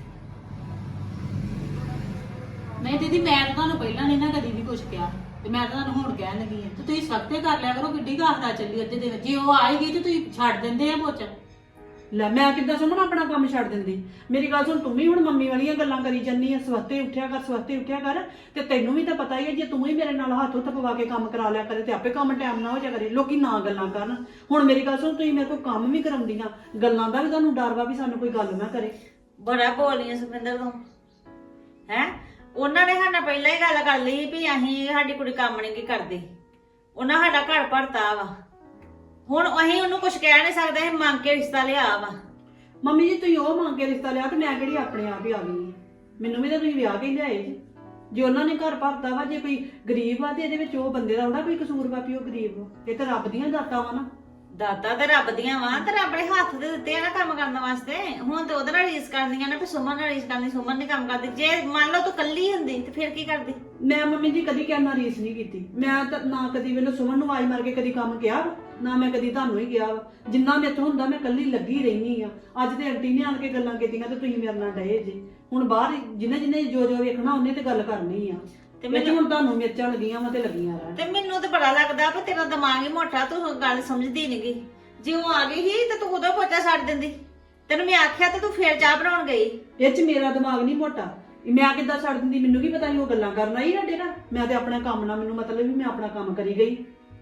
ਨਹੀਂ ਦੀਦੀ ਮੈਂ ਤਾਂ ਤੁਹਾਨੂੰ ਪਹਿਲਾਂ ਨਹੀਂ ਨਾ ਕਦੀ ਵੀ ਕੁਝ ਕਿਹਾ, ਤੇ ਮੈਂ ਤਾਂ ਤੁਹਾਨੂੰ ਹੁਣ ਕਹਿਣ ਲੱਗੀ ਆ, ਤੇ ਤੁਸੀਂ ਸਖਤੇ ਕਰ ਲਿਆ ਕਰੋ, ਕਿੱਡੀ ਗਾਹਦਾ ਚੱਲੀ ਅੱਧੇ ਦਿਨ, ਜੇ ਉਹ ਆਏਗੀ ਤੇ ਤੁਸੀਂ ਛੱਡ ਦਿੰਦੇ ਆ ਪੋਚਾ। ਲੈ ਮੈਂ ਕਿੱਦਾਂ ਸੁਮਨ ਆਪਣਾ ਕੰਮ ਛੱਡ ਦਿੰਦੀ? ਮੇਰੀ ਗੱਲ ਸੁਣ, ਤੂੰ ਵੀ ਹੁਣ ਮੰਮੀ ਵਾਲੀਆਂ ਗੱਲਾਂ ਕਰੀ ਜੰਨੀ ਆ, ਸਵਾਤੇ ਉੱਠਿਆ ਕਰ, ਤੇ ਤੈਨੂੰ ਵੀ ਤਾਂ ਪਤਾ ਹੀ ਹੈ, ਜੇ ਤੂੰ ਹੀ ਮੇਰੇ ਨਾਲ ਹੱਥ ਉੱਤ ਪਵਾ ਕੇ ਕੰਮ ਕਰਾ ਲਿਆ ਕਰੇ ਤੇ ਆਪੇ ਕੰਮ ਟਾਈਮ ਨਾ ਹੋ ਜਾ ਕਰੇ, ਲੋਕੀ ਨਾ ਗੱਲਾਂ ਕਰਨ। ਹੁਣ ਮੇਰੀ ਗੱਲ ਸੁਣ, ਤੁਸੀਂ ਮੇਰੇ ਕੋਲ ਕੰਮ ਵੀ ਕਰਾਉਂਦੀਆਂ, ਗੱਲਾਂ ਦਾ ਵੀ ਤੁਹਾਨੂੰ ਡਰ ਵਾ ਵੀ ਸਾਨੂੰ ਕੋਈ ਗੱਲ ਨਾ ਕਰੇ। ਬੜਾ ਬੋਲੀਆਂ ਸੁਖਵਿੰਦਰ ਤੂੰ ਹੈ। ਉਹਨਾਂ ਨੇ ਸਾਡਾ ਪਹਿਲਾਂ ਹੀ ਗੱਲ ਕਰ ਲਈ ਵੀ ਅਸੀਂ ਸਾਡੀ ਕੁੜੀ ਕੰਮ ਨਹੀਂ ਕੀ ਕਰਦੀ, ਉਹਨਾਂ ਸਾਡਾ ਘਰ ਭਰਤਾ ਵਾ, ਹੁਣ ਅਸੀਂ ਉਹਨੂੰ ਕੁਝ ਕਹਿ ਨਹੀਂ ਸਕਦੇ, ਅਸੀਂ ਮੰਗ ਕੇ ਰਿਸ਼ਤਾ ਲਿਆ ਵਾ। ਮੰਮੀ ਜੀ ਤੁਸੀਂ ਉਹ ਮੰਗ ਕੇ ਰਿਸ਼ਤਾ ਲਿਆ ਤੇ ਮੈਂ ਕਿਹੜੀ ਆਪਣੇ ਆਪ ਹੀ ਆ ਗਈ? ਮੈਨੂੰ ਵੀ ਤਾਂ ਤੁਸੀਂ ਵਿਆਹ ਕੇ ਹੀ ਲਿਆਏ ਜੀ। ਜੇ ਉਹਨਾਂ ਨੇ ਘਰ ਭਰਤਾ ਵਾ, ਜੇ ਕੋਈ ਗਰੀਬ ਆ ਤੇ ਇਹਦੇ ਵਿੱਚ ਉਹ ਬੰਦੇ ਦਾ ਥੋੜਾ ਕੋਈ ਕਸੂਰ ਵਾ ਵੀ ਉਹ ਗਰੀਬ ਵਾ, ਇਹ ਤਾਂ ਰੱਬ ਦੀਆਂ ਦਾਤਾਂ ਵਾ ਨਾ। ਦਾਤਾ ਤੇ ਰੱਬ ਦੀਆਂ ਵਾਂ ਤੇ ਰੱਬ ਨੇ ਹੱਥ ਦੇ ਦਿੱਤੇ ਆ ਨਾ ਕੰਮ ਕਰਨ ਵਾਸਤੇ। ਹੁਣ ਤੇ ਉਹਦੇ ਨਾਲ ਰੀਸ ਕਰਦੀਆਂ ਨੇ ਵੀ ਸੁਮਨ ਨਾਲ ਰੀਸ ਕਰਨੀ, ਸੁਮਨ ਨਹੀਂ ਕੰਮ ਕਰਦੀ। ਜੇ ਮੰਨ ਲਓ ਤੂੰ ਕੱਲੀ ਹੁੰਦੀ ਤੇ ਫਿਰ ਕੀ ਕਰਦੀ? ਮੈਂ ਮੰਮੀ ਜੀ ਕਦੀ ਕਹਿਣਾ ਰੀਸ ਨਹੀਂ ਕੀਤੀ। ਮੈਂ ਤਾਂ ਨਾ ਕਦੀ ਮੈਨੂੰ ਸੁਮਨ ਨੂੰ ਆਵਾਜ਼ ਮਾਰ ਕੇ ਕਦੀ ਕੰਮ ਕਿਹਾ ਵਾ, ਨਾ ਮੈਂ ਕਦੀ ਤੁਹਾਨੂੰ ਹੀ ਕਿਹਾ ਵਾ। ਜਿੰਨਾ ਮੇਰੇ ਤੋਂ ਹੁੰਦਾ ਮੈਂ ਕੱਲੀ ਲੱਗੀ ਰਹਿਣੀ ਆ। ਅੱਜ ਤੇ ਆਂਟੀ ਨੇ ਆਣ ਕੇ ਗੱਲਾਂ ਕੀਤੀਆਂ ਤੇ ਤੁਸੀਂ ਮੇਰੇ ਨਾਲ ਡਏ ਜੇ। ਹੁਣ ਬਾਹਰ ਜਿਹਨੇ ਜਿਹਨੇ ਜੋ ਜੋ ਵੇਖਣਾ ਉਹਨੇ ਤੇ ਗੱਲ ਕਰਨੀ ਆ। ਤੇ ਤੇ ਮੈਨੂੰ ਹੁਣ ਤੁਹਾਨੂੰ ਮਿਰਚਾਂ ਲੱਗੀਆਂ ਵਾ ਤੇ ਲੱਗੀਆਂ ਰਹਿਣ। ਤੇ ਮੈਨੂੰ ਤੇ ਬੜਾ ਲੱਗਦਾ ਵੀ ਤੇਰਾ ਦਿਮਾਗ ਹੀ ਮੋਟਾ, ਤੂੰ ਗੱਲ ਸਮਝਦੀ ਨਹੀਂਗੀ। ਜੇ ਉਹ ਆ ਗਈ ਸੀ ਤੇ ਤੂੰ ਉਦੋਂ ਪੋਚਾ ਛੱਡ ਦਿੰਦੀ। ਤੈਨੂੰ ਮੈਂ ਆਖਿਆ ਤੇ ਤੂੰ ਫੇਰ ਚਾਹ ਬਣਾਉਣ ਗਈ। ਇਹ ਚ ਮੇਰਾ ਦਿਮਾਗ ਨਹੀਂ ਮੋਟਾ। ਮੈਂ ਕਿੱਦਾਂ ਛੱਡ ਦਿੰਦੀ? ਮੈਨੂੰ ਕੀ ਪਤਾ ਸੀ ਉਹ ਗੱਲਾਂ ਕਰਨ ਆਈ ਸਾਡੇ ਨਾਲ। ਮੈਂ ਤੇ ਆਪਣੇ ਕੰਮ ਨਾਲ, ਮੈਨੂੰ ਮਤਲਬ ਵੀ ਮੈਂ ਆਪਣਾ ਕੰਮ ਕਰੀ ਗਈ।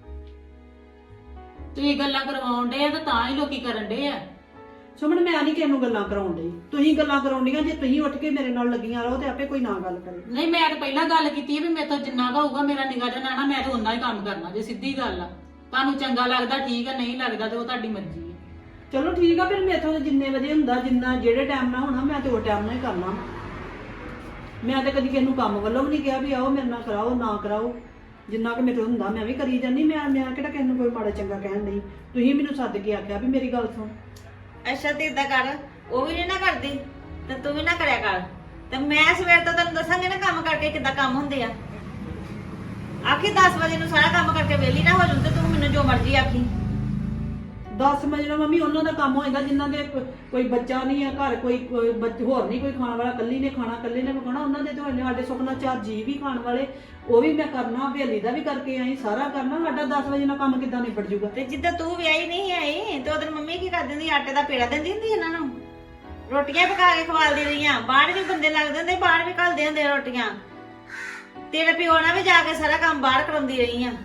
ਤੁਸੀਂ ਗੱਲਾਂ ਕਰਵਾਉਣ ਡੇ ਆ ਤਾਂ ਹੀ ਲੋਕੀ ਕਰਨ ਡੇ ਆ। ਸੁਮਨ ਮੈਂ ਨਹੀਂ ਕਿਸੇ ਨੂੰ ਗੱਲਾਂ ਕਰਾਉਣ ਡਈ, ਤੁਸੀਂ ਗੱਲਾਂ ਕਰਾਉਂਦੀਆਂ। ਜੇ ਤੁਸੀਂ ਉੱਠ ਕੇ ਮੇਰੇ ਨਾਲ ਲੱਗੀਆਂ ਰਹੋ ਤੇ ਆਪੇ ਕੋਈ ਨਾ ਗੱਲ ਕਰੇ। ਨਹੀਂ ਮੈਂ ਤਾਂ ਪਹਿਲਾਂ ਗੱਲ ਕੀਤੀ ਹੈ ਵੀ ਮੇਰੇ ਤੋਂ ਜਿੰਨਾ ਕੁ ਹੋਊਗਾ ਮੇਰਾ ਨਿਗਾਹ ਜਨਾ ਨਾ, ਮੈਂ ਤਾਂ ਉਨਾ ਹੀ ਕੰਮ ਕਰਨਾ। ਜੇ ਸਿੱਧੀ ਗੱਲ ਆ, ਤੁਹਾਨੂੰ ਚੰਗਾ ਲੱਗਦਾ ਠੀਕ ਆ, ਨਹੀਂ ਲੱਗਦਾ ਤੇ ਉਹ ਤੁਹਾਡੀ ਮਰਜ਼ੀ ਹੈ। ਚਲੋ ਠੀਕ ਆ ਫਿਰ। ਮੇਥੋਂ ਤਾਂ ਜਿੰਨੇ ਵਜੇ ਹੁੰਦਾ, ਜਿੰਨਾ ਜਿਹੜੇ ਟਾਈਮ ਨਾਲ ਹੋਣਾ ਮੈਂ ਤੇ ਉਹ ਟਾਈਮ ਨਾਲ ਹੀ ਕਰਨਾ। ਮੈਂ ਤੇ ਕਦੀ ਕਿਸੇ ਨੂੰ ਕੰਮ ਵੱਲੋਂ ਵੀ ਨਹੀਂ ਕਿਹਾ ਵੀ ਆਓ ਮੇਰੇ ਨਾਲ ਕਰਾਓ ਨਾ ਕਰਾਓ। ਜਿੰਨਾ ਕਿ ਮੇਰੇ ਤੋਂ ਹੁੰਦਾ ਮੈਂ ਵੀ ਕਰੀ ਜਾਂਦੀ। ਮੈਂ ਕਿਹੜਾ ਕਿਸੇ ਨੂੰ ਕੋਈ ਮਾੜਾ ਚੰਗਾ ਕਹਿਣ ਨਹੀਂ। ਤੁਸੀਂ ਮੈਨੂੰ ਸੱਦ ਕੇ ਆਖਿਆ ਵੀ ਮੇਰੀ ਗੱਲ ਸੁਣ। ਅੱਛਾ ਤੇ ਏਦਾਂ ਕਰ, ਉਹ ਵੀ ਨੀ ਨਾ ਕਰਦੀ ਤੇ ਤੂੰ ਵੀ ਨਾ ਕਰਿਆ ਕਰ। ਤੇ ਮੈਂ ਸਵੇਰ ਤੋਂ ਤੈਨੂੰ ਦੱਸਾਂਗੇ ਨਾ ਕੰਮ ਕਰਕੇ ਕਿੱਦਾਂ ਕੰਮ ਹੁੰਦੇ ਆ। ਆਖੀ 10 ਵਜੇ ਨੂੰ ਸਾਰਾ ਕੰਮ ਕਰਕੇ ਵਿਹਲੀ ਨਾ ਹੋ ਜਾਊਂ ਤੇ ਤੂੰ ਮੈਨੂੰ ਜੋ ਮਰਜ਼ੀ ਆਖੀ। 10 ਵਜੇ ਨਾਲ ਮੰਮੀ ਉਹਨਾਂ ਦਾ ਕੰਮ ਹੋ ਜਾਂਦਾ ਜਿਨ੍ਹਾਂ ਦੇ ਕੋਈ ਬੱਚਾ ਨਹੀਂ ਆ ਘਰ, ਕੋਈ ਹੋਰ ਨਹੀਂ ਕੋਈ ਖਾਣ ਵਾਲਾ, ਕੱਲੀ ਨੇ ਖਾਣਾ, ਕੱਲੇ ਨੇ ਪਕਾਉਣਾ। ਉਹਨਾਂ ਦੇ ਤੇ ਸਾਡੇ ਸੁਪਨਾ 4 ਜੀ ਵੀ ਖਾਣ ਵਾਲੇ, ਉਹ ਵੀ ਮੈਂ ਕਰਨਾ। ਹਵੇਲੀ ਦਾ ਵੀ ਕਰਕੇ ਆਈ, ਸਾਰਾ ਕਰਨਾ। ਸਾਡਾ 10 ਵਜੇ ਨਾਲ ਕੰਮ ਕਿੱਦਾਂ ਨਿਬੜ ਜੂਗਾ? ਤੇ ਜਿੱਦਾਂ ਤੂੰ ਵਿਆਹੀ ਨਹੀਂ ਆਈ ਤੇ ਉਹਦੀ ਮੰਮੀ ਕੀ ਕਰ ਦਿੰਦੀ? ਆਟੇ ਦਾ ਪੇੜਾ ਦਿੰਦੀ ਹੁੰਦੀ ਇਹਨਾਂ ਨੂੰ, ਰੋਟੀਆਂ ਪਕਾ ਕੇ ਖਵਾਲਦੀ ਰਹੀਆਂ। ਬਾਹਰ ਵੀ ਬੰਦੇ ਲੱਗਦੇ ਹੁੰਦੇ, ਬਾਹਰ ਵੀ ਘੱਲਦੇ ਹੁੰਦੇ ਰੋਟੀਆਂ। ਤੇਰੇ ਪਿਓ ਨਾਲ ਵੀ ਜਾ ਕੇ ਸਾਰਾ ਕੰਮ ਬਾਹਰ ਕਰਾਉਂਦੀ ਰਹੀ ਆ।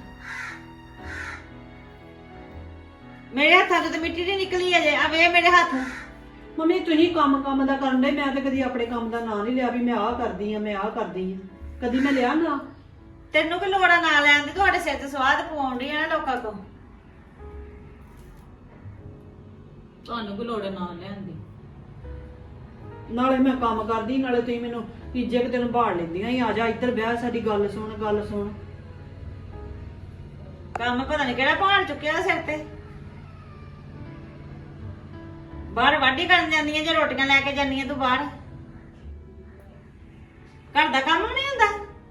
ਮੇਰੇ ਹੱਥਾਂ ਤੋਂ ਤੇ ਮਿੱਟੀ ਨਹੀਂ ਨਿਕਲੀ ਅਜੇ। ਆ ਵੇ ਮੇਰੇ ਹੱਥ। ਮੰਮੀ ਤੁਸੀਂ ਕੰਮ ਦਾ ਕਰਨ ਦੇ, ਮੈਂ ਤੇ ਕਦੀ ਆਪਣੇ ਕੰਮ ਦਾ ਨਾਂ ਨਹੀਂ ਲਿਆ ਵੀ ਮੈਂ ਆਹ ਕਰਦੀ ਆ, ਮੈਂ ਆਹ ਕਰਦੀ ਆ। ਕਦੀ ਮੈਂ ਲਿਆ ਨਾ। ਤੈਨੂੰ ਕੀ ਲੋੜ ਆ ਨਾ ਲੈਣ ਦੀ? ਤੁਹਾਡੇ ਸਿਰ ਤੇ ਸਵਾਦ ਪਵਾਉਂਦੀ ਆ ਨਾ ਲੋਕਾਂ ਕੋਲ। ਤੁਹਾਨੂੰ ਕੋਈ ਲੋੜ ਨਾ ਲੈਣ ਦੀ। ਨਾਲੇ ਮੈਂ ਕੰਮ ਕਰਦੀ, ਨਾਲੇ ਤੁਸੀਂ ਮੈਨੂੰ ਤੀਜੇ ਕੁ ਦਿਨ ਬਾੜ ਲੈਂਦੀਆਂ ਹੀ। ਆ ਜਾ ਇੱਧਰ ਵਿਆਹ, ਸਾਡੀ ਗੱਲ ਸੁਣ, ਗੱਲ ਸੁਣ। ਕੰਮ ਪਤਾ ਨਹੀਂ ਕਿਹੜਾ ਭਾਰ ਚੁੱਕਿਆ ਸਿਰ ਤੇ। ਬਾਹਰ ਵਾਢੀ ਕਰਨ ਜਾਂਦੀਆਂ ਜੇ ਰੋਟੀਆਂ ਲੈ ਕੇ ਜਾਂਦੀਆਂ ਤੂੰ ਬਾਹਰ। ਘਰ ਦਾ ਕੰਮ ਨਹੀਂ ਹੁੰਦਾ।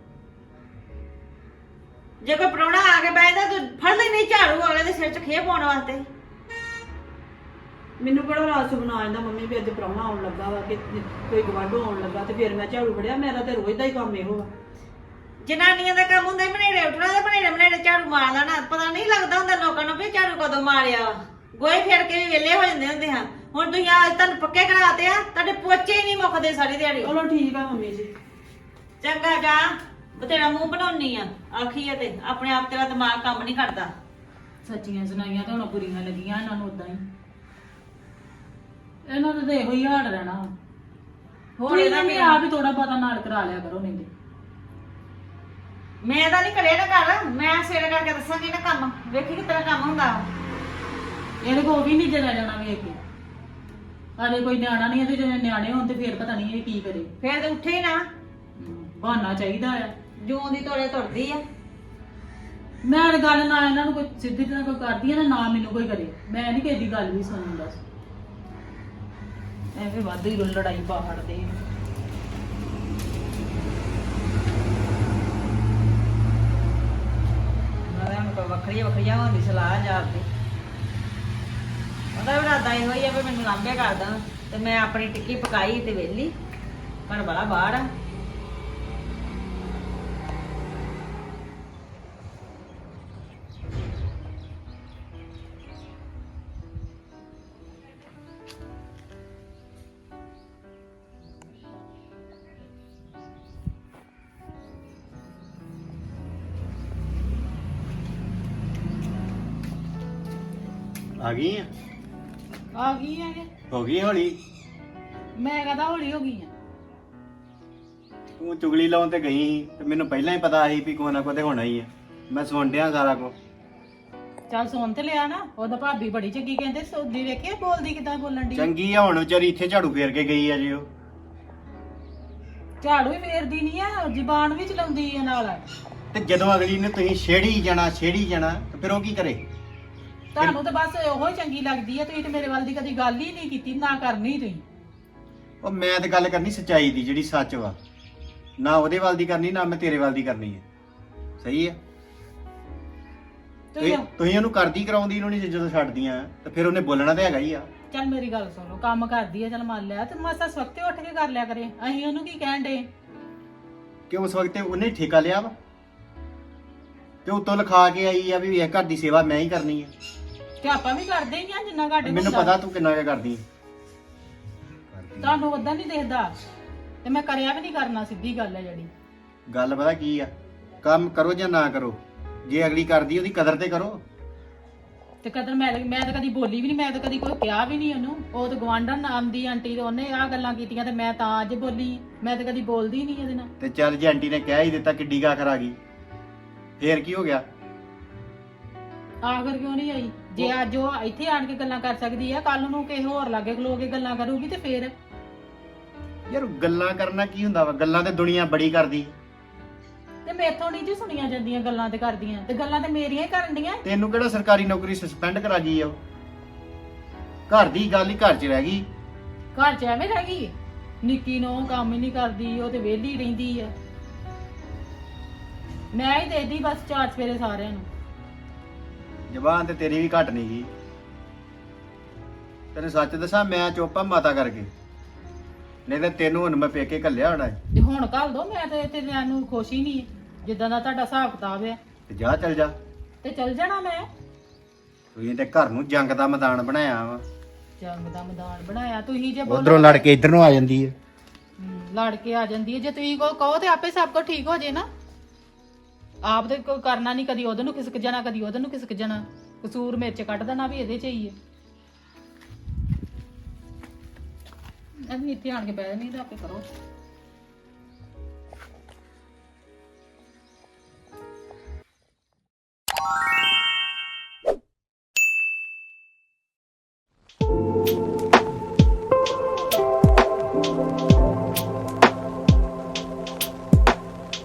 ਜੇ ਕੋਈ ਪ੍ਰਾਹੁਣਾ ਆ ਕੇ ਬੈਠਦਾ ਤੂੰ ਫੜ ਲੈਣੀ ਝਾੜੂ ਅਗਲੇ ਦੇ ਸਿਰ 'ਚ ਖੇ ਪਾਉਣ ਵਾਸਤੇ। ਮੈਨੂੰ ਬੜਾ ਰਾਸ ਬਣਾ ਜਾਂਦਾ ਮੰਮੀ ਵੀ ਅੱਜ ਪ੍ਰਾਹੁਣਾ ਆਉਣ ਲੱਗਾ ਵਾ ਕਿ ਕੋਈ ਗਵਾਂਢੋਂ ਆਉਣ ਲੱਗਾ ਤੇ ਫਿਰ ਮੈਂ ਝਾੜੂ ਫੜਿਆ। ਮੇਰਾ ਤੇ ਰੋਜ਼ ਦਾ ਹੀ ਕੰਮ ਇਹੋ ਵਾ। ਜਨਾਨੀਆਂ ਦਾ ਕੰਮ ਹੁੰਦਾ ਬਨੇੜੇ ਉੱਠਣਾ ਤੇ ਬਨੇੜੇ ਝਾੜੂ ਮਾਰ ਲੈਣਾ। ਪਤਾ ਨਹੀਂ ਲੱਗਦਾ ਹੁੰਦਾ ਲੋਕਾਂ ਨੂੰ ਵੀ ਝਾੜੂ ਕਦੋਂ ਮਾਰਿਆ ਵਾ। ਗੋਹੇ ਫੇਰ ਕੇ ਵੀ ਵਿਹਲੇ ਹੋ ਜਾਂਦੇ ਹੁੰਦੇ ਹਾਂ। ਹੁਣ ਤੁਸੀਂ ਅੱਜ ਤੁਹਾਨੂੰ ਪੱਕੇ ਕਰਾਤੇ ਆ, ਤੁਹਾਡੇ ਪੋਚੇ ਹੀ ਨਹੀਂ ਮੁੱਕਦੇ ਸਾਰੀ ਦਿਹਾੜੀ। ਚਲੋ ਠੀਕ ਆ ਮੰਮੀ ਜੀ। ਚੰਗਾ ਜਾ, ਬਤੇਰਾ ਮੂੰਹ ਬਣਾਉਣੀ ਆ ਆਖੀ ਆ ਤੇ ਆਪਣੇ ਆਪ ਤੇਰਾ ਦਿਮਾਗ ਕੰਮ ਨਹੀਂ ਕਰਦਾ। ਸੱਚੀਆਂ ਸੁਣਾਈਆਂ ਤਾਂ ਹੁਣ ਬੁਰੀਆਂ ਲੱਗੀਆਂ ਇਹਨਾਂ ਨੂੰ ਉਦਾਂ ਹੀ। ਇਹਨਾਂ ਦਾ ਤਾਂ ਇਹੋ ਹੀ ਹਾਲ ਰਹਿਣਾ। ਹੋਰ ਇਹਦਾ ਇਹਨਾਂ ਨੇ ਆਪ ਹੀ ਥੋੜਾ ਪਤਾ ਨਾਲ ਕਰਾ ਲਿਆ ਕਰੋ। ਨਹੀਂ ਤੇ ਮੈਂ ਤਾਂ ਨਹੀਂ ਕਰਿਆ ਨਾ ਕਰ। ਮੈਂ ਸਵੇਰੇ ਕਰਕੇ ਦੱਸਾਂਗੀ ਨਾ ਕੰਮ। ਵੇਖੀ ਕਿ ਤੇਰਾ ਕੰਮ ਹੁੰਦਾ। ਇਹਦੇ ਕੋਲ ਵੀ ਨਹੀਂ ਜਰਾ ਜਾਣਾ ਵੇਖ ਕੇ। ਹਾਲੇ ਕੋਈ ਨਿਆਣਾ ਨਹੀਂ ਹੈ ਤੇ ਜੇ ਨਿਆਣੇ ਹੋਣ ਤੇ ਫੇਰ ਪਤਾ ਨਹੀਂ ਇਹ ਕੀ ਕਰੇ। ਫੇਰ ਤੇ ਉੱਠੇ ਹੀ ਨਾ। ਬਹਾਨਾ ਚਾਹੀਦਾ ਆ। ਜੂੰ ਦੀ ਤੋੜੇ ਤੁਰਦੀ ਆ। ਮੈਂ ਤਾਂ ਗੱਲ ਨਾ ਇਹਨਾਂ ਨੂੰ ਕੋਈ ਸਿੱਧੀ ਤਰ੍ਹਾਂ ਕੋਈ ਕਰਦੀ ਆ ਨਾ ਮੈਨੂੰ ਕੋਈ ਕਰੇ। ਮੈਂ ਨਹੀਂ ਕਿਸੇ ਦੀ ਗੱਲ ਵੀ ਸੁਣਨ ਦੱਸ। ਐਵੇਂ ਵਾਧੂ ਹੀ ਲੜਾਈ ਪਾ ਹੜਦੇ। ਵੱਖਰੀਆਂ ਹੋਣ ਦੀ ਸਲਾਹ ਜਾਂਦੀ। ਉਹਦਾ ਵੀ ਇਰਾਦਾ ਇਹੋ ਹੀ ਆ ਵੀ ਮੈਨੂੰ ਲਾਂਭੇ ਕਰਦਾ ਤੇ ਮੈਂ ਆਪਣੀ ਟਿੱਕੀ ਪਕਾਈ ਤੇ ਵਿਹਲੀ। ਘਰ ਵਾਲਾ ਬਾਹਰ ਆ। ਆ ਗਈ ਆ? ਆ ਗਈ ਆ ਕਿ ਹੋ ਗਈ ਹੌਲੀ? ਮੈਂ ਕਹਦਾ ਹੌਲੀ ਹੋ ਗਈ ਆ। ਤੂੰ ਚੁਗਲੀ ਲਾਉਣ ਤੇ ਗਈ ਸੀ ਤੇ ਮੈਨੂੰ ਪਹਿਲਾਂ ਹੀ ਪਤਾ ਸੀ ਵੀ ਕੋਈ ਨਾ ਕੋਈ ਤੇ ਹੋਣਾ ਹੀ ਆ। ਮੈਂ ਸੁਣ ਡਿਆ ਸਾਰਾ ਕੁਝ। ਚੱਲ ਸੁਣ ਤੇ ਲਿਆ ਨਾ। ਉਹਦਾ ਭਾਬੀ ਬੜੀ ਚੰਗੀ ਕਹਿੰਦੇ ਸੋਦੀ ਵੇਖਿਆ ਬੋਲਦੀ ਕਿਦਾਂ ਬੋਲਣ ਦੀ। ਚੰਗੀ ਆ ਹੁਣ ਵਿਚਾਰੀ ਇੱਥੇ ਝਾੜੂ ਫੇਰ ਕੇ ਗਈ ਆ ਜੀ। ਉਹ ਝਾੜੂ ਹੀ ਫੇਰਦੀ ਨਹੀਂ ਆ, ਜ਼ਬਾਨ ਵੀ ਚਲਾਉਂਦੀ ਆ ਨਾਲ। ਤੇ ਜਦੋਂ ਅਗਲੀ ਨੇ ਤੁਸੀਂ ਛੇੜੀ ਜਾਣਾ ਤੇ ਫਿਰ ਉਹ ਕੀ ਕਰੇ? ਤੁਹਾਨੂੰ ਤਾਂ ਬਸ ਉਹੋ ਹੀ ਚੰਗੀ ਲੱਗਦੀ ਆ, ਤੁਸੀਂ ਤੇ ਮੇਰੇ ਵੱਲ ਦੀ ਕਦੀ ਗੱਲ ਹੀ ਨਹੀਂ ਕੀਤੀ, ਨਾ ਕਰਨੀ ਤੁਸੀਂ। ਉਹ ਮੈਂ ਤੇ ਗੱਲ ਕਰਨੀ ਸੱਚਾਈ ਦੀ, ਜਿਹੜੀ ਸੱਚ ਵਾ, ਨਾ ਉਹਦੇ ਵੱਲ ਦੀ ਕਰਨੀ, ਨਾ ਮੈਂ ਤੇਰੇ ਵੱਲ ਦੀ ਕਰਨੀ ਹੈ। ਸਹੀ ਹੈ? ਤੁਸੀਂ ਉਹਨੂੰ ਕਰਦੀ ਕਰਾਉਂਦੀ ਨੂੰ ਨਹੀਂ, ਜਦੋਂ ਛੱਡਦੀਆਂ ਤੇ ਫਿਰ ਉਹਨੇ ਬੋਲਣਾ ਤੇ ਹੈਗਾ ਹੀ ਆ। ਚੱਲ ਮੇਰੀ ਗੱਲ ਸੁਣੋ, ਕੰਮ ਕਰਦੀ ਆ, ਚੱਲ ਮੰਨ ਲਿਆ, ਤੇ ਮਾਸਾ ਸਵਖਤੇ ਉੱਠ ਕੇ ਕਰ ਲਿਆ ਕਰੇ। ਅਸੀਂ ਉਹਨੂੰ ਕੀ ਕਹਿਣ ਦੇ ਕਿ ਉਸ ਵਕਤ ਉਹਨੇ ਠੇਕਾ ਲਿਆ ਵਾ, ਤੇ ਉੱਤੋਂ ਲਿਖਾ ਕੇ ਆਈ ਆ ਵੀ ਇਹ ਘਰ ਦੀ ਸੇਵਾ ਮੈਂ ਹੀ ਕਰਨੀ ਹੈ। ਤੇ ਆਪਾਂ ਵੀ ਕਰਦੇ ਹੀ ਆ ਜਿੰਨਾ ਘਾਟੇ ਮੈਨੂੰ ਪਤਾ ਤੂੰ ਕਿੰਨਾ ਕੁ ਕਰਦੀ ਤੁਹਾਨੂੰ ਉਦਾਂ ਨਹੀਂ ਦੇਖਦਾ, ਤੇ ਮੈਂ ਕਰਿਆ ਵੀ ਨਹੀਂ ਕਰਨਾ, ਸਿੱਧੀ ਗੱਲ ਹੈ ਜਿਹੜੀ। ਗੱਲ ਪਤਾ ਕੀ ਆ, ਕੰਮ ਕਰੋ ਜਾਂ ਨਾ ਕਰੋ, ਜੇ ਅਗਲੀ ਕਰਦੀ ਉਹਦੀ ਕਦਰ ਤੇ ਕਰੋ। ਤੇ ਕਦਰ ਮੈਂ ਤਾਂ ਕਦੀ ਬੋਲੀ ਵੀ ਨਹੀਂ, ਮੈਂ ਤਾਂ ਕਦੀ ਕੋਈ ਕਿਹਾ ਵੀ ਨਹੀਂ ਉਹਨੂੰ। ਉਹ ਤਾਂ ਗਵਾਂਢਣ ਨਾਮ ਦੀ ਆਂਟੀ, ਤੇ ਉਹਨੇ ਆਹ ਗੱਲਾਂ ਕੀਤੀਆਂ ਤੇ ਮੈਂ ਤਾਂ ਅੱਜ ਬੋਲੀ। ਮੈਂ ਤਾਂ ਕਦੀ ਬੋਲਦੀ ਨਹੀਂ ਇਹਦੇ ਨਾਲ। ਤੇ ਚੱਲ ਜੇ ਆਂਟੀ ਨੇ ਕਹਿ ਹੀ ਦਿੱਤਾ, ਕਿੱਡੀ ਕਾਖਰ ਆ ਗਈ, ਫੇਰ ਕੀ ਹੋ ਗਿਆ? ਆਖਰ ਕਿਉਂ ਨਹੀਂ ਆਈ? ਜੇ ਅੱਜ ਉਹ ਇੱਥੇ ਆਣ ਕੇ ਗੱਲਾਂ ਕਰ ਸਕਦੀ ਆ, ਕੱਲ ਨੂੰ ਕਿਸੇ ਹੋਰ ਲਾਗੇ ਖਲੋ ਕੇ ਗੱਲਾਂ ਕਰੂਗੀ ਤੇ ਫੇਰ? ਯਾਰ ਗੱਲਾਂ ਕਰਨਾ ਕੀ ਹੁੰਦਾ ਵਾ, ਗੱਲਾਂ ਤੇ ਦੁਨੀਆ ਬੜੀ ਕਰਦੀ। ਤੇ ਮੈਥੋਂ ਨਹੀਂ ਜੀ ਸੁਣੀਆਂ ਜਾਂਦੀਆਂ ਗੱਲਾਂ ਤੇ ਕਰਦੀਆਂ, ਤੇ ਗੱਲਾਂ ਤੇ ਮੇਰੀਆਂ ਹੀ ਕਰਨ ਦੀਆਂ। ਤੈਨੂੰ ਕਿਹੜਾ ਸਰਕਾਰੀ ਨੌਕਰੀ ਸਸਪੈਂਡ ਕਰਾ ਗਈ ਆ? ਉਹ ਘਰ ਦੀ ਗੱਲ ਹੀ ਘਰ 'ਚ ਰਹਿ ਗਈ। ਘਰ 'ਚ ਐਵੇਂ ਰਹਿ ਗਈ? ਨਿੱਕੀ ਨੂੰ ਕੰਮ ਹੀ ਨਹੀਂ ਕਰਦੀ, ਉਹ ਤੇ ਵਿਹਲੀ ਰਹਿੰਦੀ ਆ। ਮੈਂ ਹੀ ਦੇਦੀ ਬਸ ਚਾਰ ਸਵੇਰੇ ਸਾਰਿਆਂ ਨੂੰ। ਜ਼ਬਾਨ ਤੇ ਤੇਰੀ ਵੀ ਘੱਟ ਨਹੀਂ ਗਈ। ਤੈਨੂੰ ਸੱਚ ਦੱਸਾਂ, ਮੈਂ ਚੁੱਪਾ ਮਾਤਾ ਕਰਕੇ, ਨਹੀਂ ਤਾਂ ਤੈਨੂੰ ਹੁਣ ਮੈਂ ਪੇਕੇ ਘੱਲਿਆ ਹੋਣਾ ਹੈ। ਤੇ ਹੁਣ ਘੱਲ ਦੋ, ਮੈਂ ਤੇ ਇੱਥੇ ਲੈਣ ਨੂੰ ਖੁਸ਼ ਹੀ ਨਹੀਂ, ਜਿੱਦਾਂ ਦਾ ਤੁਹਾਡਾ ਹਿਸਾਬ ਕਿਤਾਬ ਹੈ। ਤੇ ਜਾ ਚੱਲ ਜਾ। ਤੇ ਚੱਲ ਜਾਣਾ ਮੈਂ। ਤੁਸੀਂ ਤੇ ਘਰ ਨੂੰ ਜੰਗ ਦਾ ਮੈਦਾਨ ਬਣਾਇਆ ਵਾ। ਜੰਗ ਦਾ ਮੈਦਾਨ ਬਣਾਇਆ ਤੁਸੀਂ, ਜੇ ਉਧਰੋਂ ਲੜ ਕੇ ਇੱਧਰ ਨੂੰ ਆ ਜਾਂਦੀ ਹੈ। ਲੜ ਕੇ ਆ ਜਾਂਦੀ ਹੈ। ਜੇ ਤੁਸੀਂ ਕਹੋ ਤੇ ਆਪੇ ਸਭ ਕੁਝ ਠੀਕ ਹੋ ਜੇ ਨਾ। ਆਪ ਤੇ ਕੋਈ ਕਰਨਾ ਨਹੀਂ, ਕਦੀ ਉਹਦੇ ਨੂੰ ਖਿਸਕ ਜਾਣਾ, ਕਦੀ ਉਹਦੇ ਨੂੰ ਖਿਸਕ ਜਾਣਾ। ਕਸੂਰ ਮੇਰੇ 'ਚ ਕੱਢ ਦੇਣਾ ਵੀ ਇਹਦੇ 'ਚ ਹੀ ਹੈ। ਅਸੀਂ ਇੱਥੇ ਆਣ ਕੇ ਬਹਿ ਨਹੀਂ ਤਾਂ ਆਪੇ ਕਰੋ।